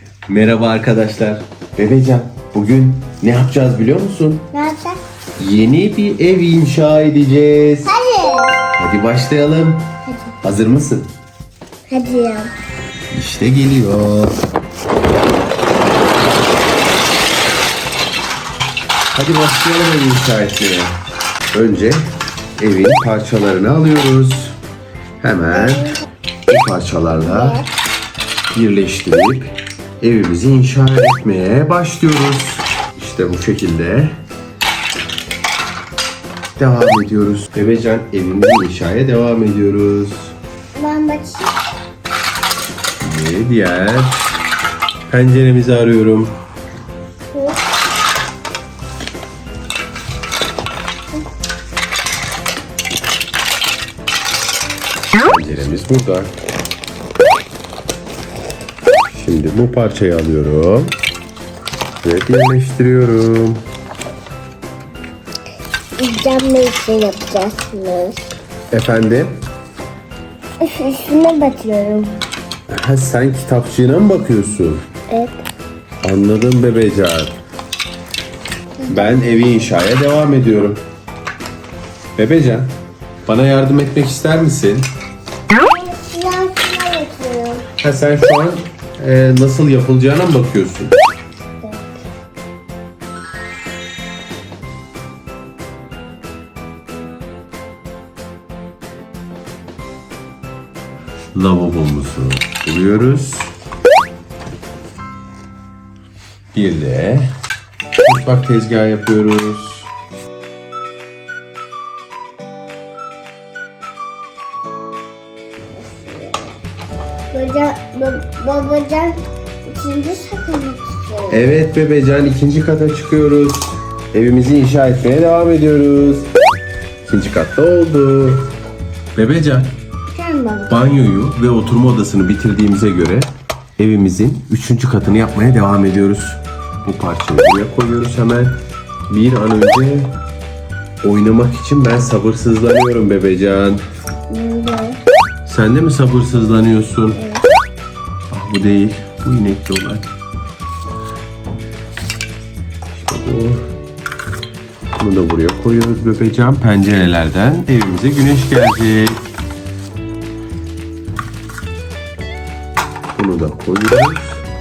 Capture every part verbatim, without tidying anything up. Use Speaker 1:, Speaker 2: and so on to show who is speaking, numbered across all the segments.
Speaker 1: Merhaba arkadaşlar. Bebecan, bugün ne yapacağız biliyor musun?
Speaker 2: Ne yapacağız?
Speaker 1: Yeni bir ev inşa edeceğiz.
Speaker 2: Hadi.
Speaker 1: Hadi başlayalım.
Speaker 2: Hadi.
Speaker 1: Hazır mısın?
Speaker 2: Hadi ya.
Speaker 1: İşte geliyor. Hadi başlayalım ev inşa etmeye. Önce evin parçalarını alıyoruz. Hemen bu parçalarla birleştirip evimizi inşa etmeye başlıyoruz. İşte bu şekilde devam ediyoruz. Bebecan, evimizi inşaya devam ediyoruz.
Speaker 2: Ben bakayım.
Speaker 1: Ve diğer penceremizi arıyorum. Penceremiz burada. Şimdi bu parçayı alıyorum ve birleştiriyorum.
Speaker 2: Cam ne için yapacaksınız?
Speaker 1: Efendim?
Speaker 2: Üstüne batıyorum.
Speaker 1: Ha, sen kitapçığına mı bakıyorsun?
Speaker 2: Evet.
Speaker 1: Anladım Bebecan. Ben evi inşaya devam ediyorum. Bebecan, bana yardım etmek ister misin?
Speaker 2: Silahına batıyorum.
Speaker 1: Ha, sen şu an e, nasıl yapılacağına mı bakıyorsun? Lavabomuzu kuruyoruz. Bir de mutfak tezgahı yapıyoruz.
Speaker 2: Babacan, ba- babacan ikinci sakını tutuyor.
Speaker 1: Evet Bebecan, ikinci kata çıkıyoruz. Evimizi inşa etmeye devam ediyoruz. İkinci katta oldu. Bebecan,
Speaker 2: Sen bak.
Speaker 1: banyoyu ve oturma odasını bitirdiğimize göre evimizin üçüncü katını yapmaya devam ediyoruz. Bu parçayı buraya koyuyoruz hemen. Bir an önce oynamak için ben sabırsızlanıyorum Bebecan.
Speaker 2: Burada.
Speaker 1: Sen de mi sabırsızlanıyorsun? Evet. Ah, bu değil. Bu inekli olan. İşte bu. Bunu da buraya koyuyoruz Bebecan. Pencerelerden evimize güneş gelecek. Bunu da koyuyoruz.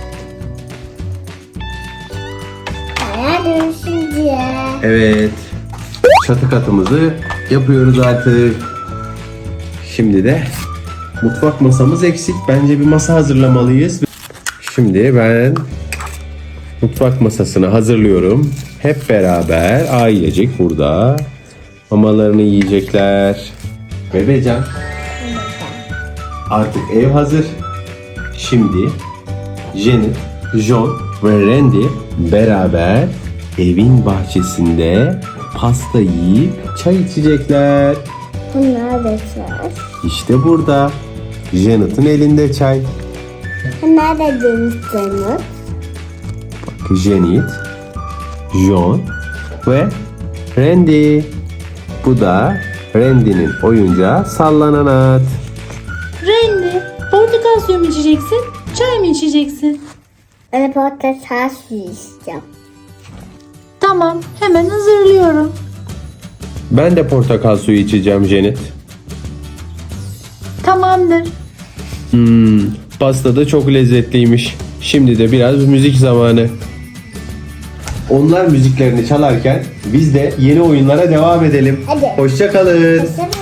Speaker 2: Hayal dönüşünce.
Speaker 1: Evet. Çatı katımızı yapıyoruz artık. Şimdi de mutfak masamız eksik. Bence bir masa hazırlamalıyız. Şimdi ben mutfak masasını hazırlıyorum. Hep beraber ailecek burada mamalarını yiyecekler. Bebecan, artık ev hazır. Şimdi Janet, John ve Randy beraber evin bahçesinde pasta yiyip çay içecekler.
Speaker 2: Bunlar da çay.
Speaker 1: İşte burada. Janet'ın elinde çay.
Speaker 2: Bunlar da dönüştürmüş.
Speaker 1: Bak, Janet, John ve Randy. Bu da Randy'nin oyuncağı sallanan at.
Speaker 3: Randy, portakal suyu mu içeceksin, çay mı içeceksin?
Speaker 2: Ben portakal suyu isteyeceğim.
Speaker 3: Tamam, hemen hazırlıyorum.
Speaker 1: Ben de portakal suyu içeceğim Janet.
Speaker 3: Tamamdır.
Speaker 1: Hmm, pasta da çok lezzetliymiş. Şimdi de biraz müzik zamanı. Onlar müziklerini çalarken biz de yeni oyunlara devam edelim.
Speaker 2: Hadi.
Speaker 1: Hoşça kalın.
Speaker 2: Hoşça